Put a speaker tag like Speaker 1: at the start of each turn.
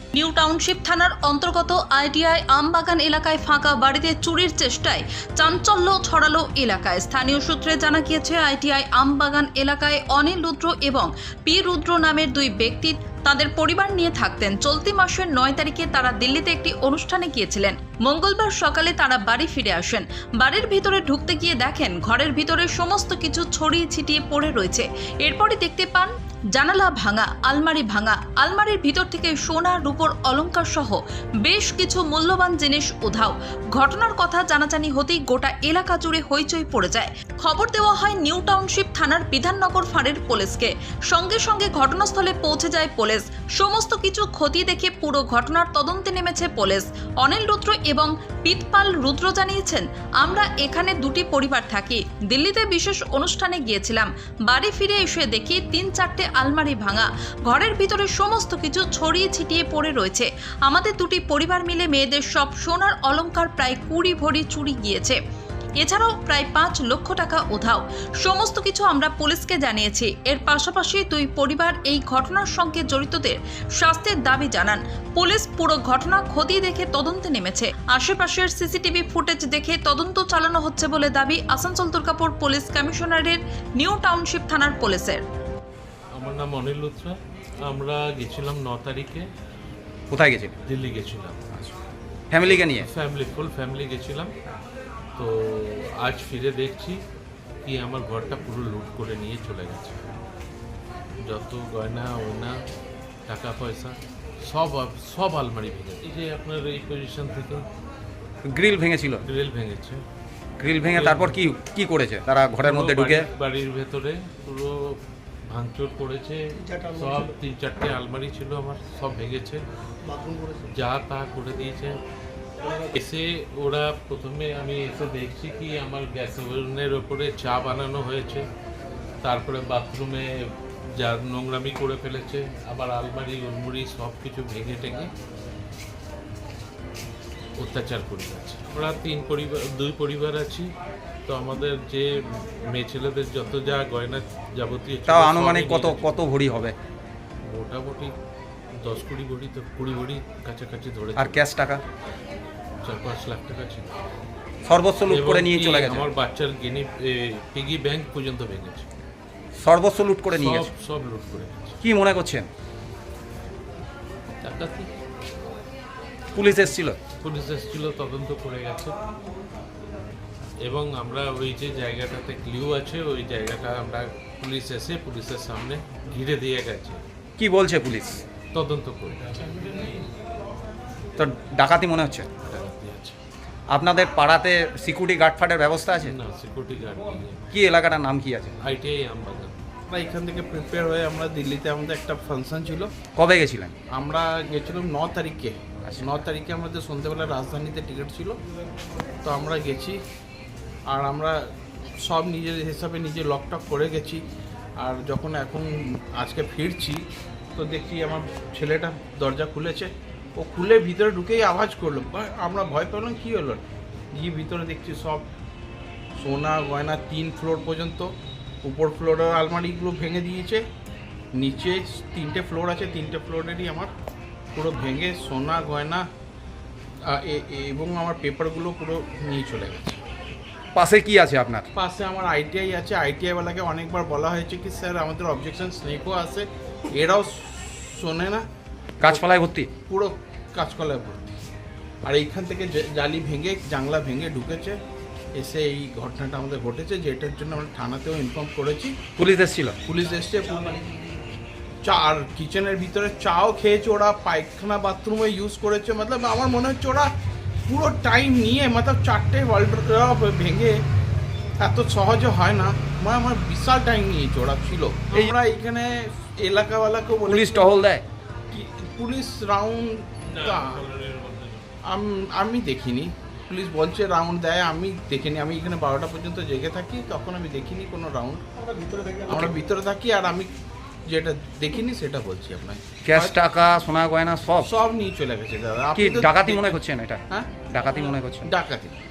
Speaker 1: New township থানার অন্তর্গত ITI আমবাগান এলাকায় ফাঁকা বাড়িতে চুরির চেষ্টায় চাঞ্চল্য ছড়ালো এলাকায়। স্থানীয় সূত্রে জানা গিয়েছে, আইটিআই আমবাগান এলাকায় অনিল রুদ্র এবং পি রুদ্র নামের দুই ব্যক্তি তাদের পরিবার নিয়ে থাকতেন। চলতি মাসের 9 তারিখে তারা দিল্লিতে একটি অনুষ্ঠানে গিয়েছিলেন। মঙ্গলবার সকালে তারা বাড়ি ফিরে আসেন। বাড়ির ভিতরে ঢুকতে গিয়ে দেখেন ঘরের ভিতরে সমস্ত কিছু ছড়িয়ে ছিটিয়ে পড়ে রয়েছে। এরপরই দেখতে পান জানালা ভাঙা, আলমারি ভাঙা, আলমারির ভিতর থেকে সোনা রূপোর অলংকার সহ বেশ কিছু মূল্যবান জিনিস উধাও। ঘটনার কথা জানাজানি হতেই গোটা এলাকা জুড়ে হইচই পড়ে যায়। খবর দেওয়া হয় নিউ টাউনশিপ থানার বিধাননগর ফাঁড়ির পুলিশকে। সঙ্গে সঙ্গে ঘটনাস্থলে পৌঁছে যায় পুলিশ। সমস্ত কিছু খতিয়ে দেখে পুরো ঘটনার তদন্তে নেমেছে পুলিশ। অনিল রুদ্র এবং পিতপাল রুদ্র জানিয়েছেন, আমরা এখানে দুটি পরিবার থাকি। দিল্লিতে বিশেষ অনুষ্ঠানে গিয়েছিলাম। বাড়ি ফিরে এসে দেখি 3-4টে আলমারি ভাঙা, ঘরের ভিতরে সমস্ত কিছু ছড়িয়ে ছিটিয়ে পড়ে রয়েছে। আমাদের দুটি পরিবার মিলে মেয়েদের সব সোনার অলংকার প্রায় 20 ভরি চুরি গিয়েছে। এছাড়াও প্রায় 5 লক্ষ টাকা উধাও। সমস্ত কিছু আমরা পুলিশকে জানিয়েছি। এর পাশাপাশি দুই পরিবার এই ঘটনার সঙ্গে জড়িতদের শাস্তির দাবি জানান। পুলিশ পুরো ঘটনা খতিয়ে দেখে তদন্তে নেমেছে। আশেপাশের সিসিটিভি ফুটেজ দেখে তদন্ত চালানো হচ্ছে বলে দাবি আসানসোল দুর্গাপুর পুলিশ কমিশনারের নিউ টাউনশিপ থানার পুলিশের।
Speaker 2: আমার নাম অনিল লুথরা। আমরা গেছিলাম 9 তারিখে।
Speaker 3: কোথায় গেছিলেন?
Speaker 2: দিল্লি গেছিলাম
Speaker 3: ফ্যামিলিকে নিয়ে?
Speaker 2: ফুল ফ্যামিলি গেছিলাম। তো আজ ফিরে দেখছি কি আমার ঘরটা পুরো লুট করে নিয়ে চলে গেছে। যত গয়না ওয়না টাকা পয়সা সব আলমারি ভেঙে, এই যে আপনার এই পজিশন থেকে
Speaker 3: গ্রিল ভেঙেছিল?
Speaker 2: গ্রিল ভেঙেছে।
Speaker 3: গ্রিল ভেঙে তারপর কি করেছে তারা? ঘরের মধ্যে ঢুকে
Speaker 2: বাড়ির ভেতরে পুরো ভাঙচুর করেছে। সব 3-4টে আলমারি ছিল আমার, সব ভেঙেছে, যা তা করে দিয়েছে। এসে ওরা প্রথমে আমি এসে দেখছি কি আমার গ্যাস ওভেনের ওপরে চা বানানো হয়েছে, তারপরে বাথরুমে যা নোংরামি করে ফেলেছে, আবার আলমারি উলমুড়ি সব কিছু ভেঙে টেঙে অত্যাচার করে যাচ্ছে। আমরা 2 পরিবার আছি। তো আমাদের যে মেয়ে ছেলেদের যত যা গয়না যাবতীয়,
Speaker 3: তাও আনুমানিক কত ভরি হবে?
Speaker 2: মোটামুটি 10-20 ভরি, তো 20 ভরি কাছাকাছি ধরে।
Speaker 3: আর ক্যাশ টাকা
Speaker 2: 4-5 লাখ টাকা ছিল।
Speaker 3: সর্বস্ব লুট করে নিয়ে চলে গেছে।
Speaker 2: আমার বাচ্চার পিগি ব্যাংক পর্যন্ত ভেঙেছে।
Speaker 3: সর্বস্ব লুট করে নিয়ে গেছে।
Speaker 2: সব লুট করে গেছে।
Speaker 3: কি মনে করছেন?
Speaker 2: ডাকাতি।
Speaker 3: পুলিশ এসেছিল?
Speaker 2: পুলিশ এসেছিল, তদন্ত করে গেছে। এবং আমরা ওই যে জায়গাটাতে ক্লিউ আছে, ওই জায়গাটা আমরা পুলিশ এসে পুলিশের সামনে ঘিরে দিয়ে গেছে।
Speaker 3: কি বলছে পুলিশ?
Speaker 2: তদন্ত করে
Speaker 3: তো ডাকাতি মনে হচ্ছে?
Speaker 2: ডাকাতি আছে।
Speaker 3: আপনাদের পাড়াতে সিকিউরিটি গার্ড ফার্ডের ব্যবস্থা আছে?
Speaker 2: না, সিকিউরিটি গার্ড নেই।
Speaker 3: কি এলাকাটার নাম কি আছে?
Speaker 2: আইটিআই আমবাগান।
Speaker 4: আমরা এখান থেকে প্রিপেয়ার হয়ে আমরা দিল্লিতে আমাদের একটা ফাংশন ছিল।
Speaker 3: কবে গেছিলেন?
Speaker 4: আমরা গেছিলাম 9 তারিখে। 9 তারিখে আমাদের সন্ধ্যেবেলা রাজধানীতে টিকিট ছিল। তো আমরা গেছি, আর আমরা সব নিজের হিসাবে নিজে লকটক করে গেছি। আর যখন এখন আজকে ফিরছি তো দেখি আমার ছেলেটা দরজা খুলেছে। ও খুলে ভিতরে ঢুকেই আওয়াজ করলো, আমরা ভয় পেলাম কী হলো। গিয়ে ভিতরে দেখছি সব সোনা গয়না 3 ফ্লোর পর্যন্ত। উপর ফ্লোরের আলমারিগুলো ভেঙে দিয়েছে, নিচে 3টে ফ্লোর আছে, 3টে ফ্লোরেরই আমার পুরো ভেঙে সোনা গয়না এবং আমার পেপারগুলো পুরো নিয়ে চলে গেছে।
Speaker 3: পাশে কি আছে আপনার?
Speaker 4: পাশে আমার আইটিআই আছে। আইটিআইওয়ালাকে অনেকবার বলা হয়েছে কি স্যার আমাদের অবজেকশন স্নেকও আছে, এরাও শোনে না।
Speaker 3: গাছপালায় ভর্তি?
Speaker 4: পুরো কাঁচকলায় ভর্তি। আর এইখান থেকে জালি ভেঙে জানলা ভেঙে ঢুকেছে। এসে এই ঘটনাটা আমাদের ঘটেছে, যেটার জন্য আমরা থানাতেও ইনফর্ম করেছি।
Speaker 3: পুলিশ এসেছিল?
Speaker 4: পুলিশ এসছে। চা আর কিচেনের ভিতরে চাও খেয়েছে ওরা, পায়খানা বাথরুমে ইউজ করেছে। মতলব আমার মনে হচ্ছে ওরা পুরো টাইম নিয়ে, মতলব 4টে ওয়ার্ল্ড ভেঙে এত সহজে হয় না। আমার বিশাল টাইম নিয়েছে ওরা ছিল। আমরা এইখানে এলাকাওয়ালাকেও বলি।
Speaker 3: পুলিশ টহল দেয়?
Speaker 4: পুলিশ রাউন্ড আমি দেখিনি। পুলিশ বলছে রাউন্ড দেয়, আমি দেখিনি। আমি এখানে 12টা পর্যন্ত জেগে থাকি, তখন আমি দেখিনি কোনো রাউন্ড। আমরা ভিতরে থাকি, আর আমি যেটা দেখিনি সেটা বলছি আপনাকে।
Speaker 3: ক্যাশ টাকা সোনা গয়না সব
Speaker 4: সব নিয়ে চলে গেছে দাদা।
Speaker 3: কি ডাকাতি মনে করছেন এটা?
Speaker 4: হ্যাঁ,
Speaker 3: ডাকাতি মনে করছেন?
Speaker 4: ডাকাতি।